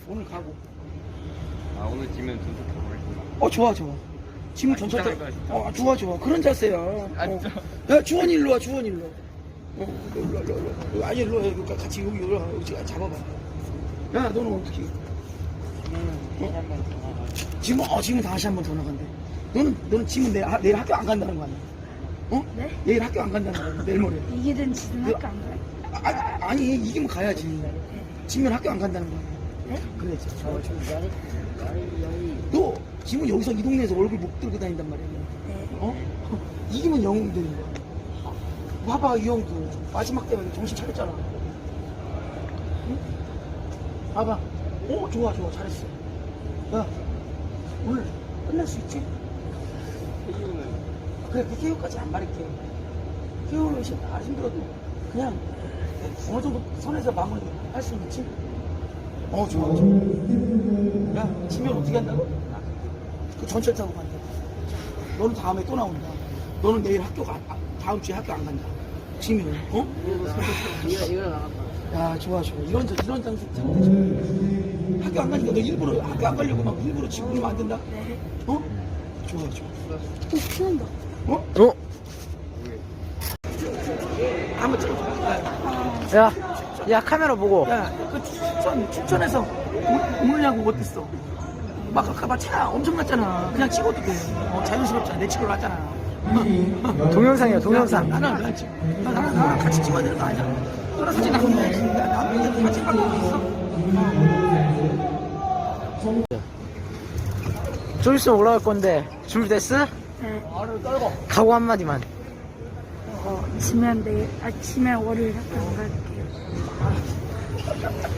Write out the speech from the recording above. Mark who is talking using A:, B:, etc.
A: 오늘 가고.
B: 아 오늘 지면 전투 가보겠습니다.
A: 좋아 좋아. 지금 전철 타.
B: 진짜 진짜.
A: 좋아 좋아. 그런 자세야.
B: 진짜?
A: 야 주원이 일로 와. 주원이 일로. 일로. 아니 일로 와. 그러니까 같이 여기 잡아봐. 야 너는 어떻게? 지금 다시 한 번 더 나간대. 너는 지금 내일 학교 안 간다는 거 아니야?
C: 네?
A: 내일 학교 안 간다는 거야. 내일 모레.
C: 이기든 지든 학교 안 가요?
A: 아니 이기면 가야지. 지면 학교 안 간다는 거야.
C: 네?
A: 그래야지. 너 지금 여기서 이 동네에서 얼굴 못 들고 다닌단 말이야.
C: 네.
A: 이기면 영웅 되는 거야. 봐봐 이 형도 마지막 때문에 정신 차렸잖아. 응? 봐봐. 좋아 잘했어. 야 오늘 끝날 수 있지? 그래 PKO까지 안 바랄게. PKO는 힘들어도 그냥 어느 정도 선에서 마무리 할 수 있지? 좋아. 야 지면 어떻게 한다고? 그 전철 타고 간다. 너는 다음에 또 나온다. 너는 내일 다음 주에 학교 안 간다. 지면
B: 이거 나갔다.
A: 야 좋아 이런 장소 되지. 학교 안 가니까 너 일부러 학교 안 가려고 막 일부러 지금 그러면 안 된다.
C: 네.
A: 좋아
C: 피난다.
A: 한번 찍어줘.
D: 야 카메라 보고.
A: 야그 춘천에서 오늘 야구 어땠어? 막 아까 차 엄청났잖아. 그냥 찍어도 돼. 자연스럽잖아. 내 찍으러 왔잖아.
D: 동영상이야 동영상.
A: 나는 왜 안 찍어? 나랑 같이 찍어야 되는 거 아니야? 너랑 사진 안 찍어야지. 나랑 같이 찍는 거 있어?
D: 좀 있으면 올라갈 건데 준비됐어?
C: 네.
D: 각오 한마디만.
C: 지면 내일, 지면 월요일 학교 안 갈게요.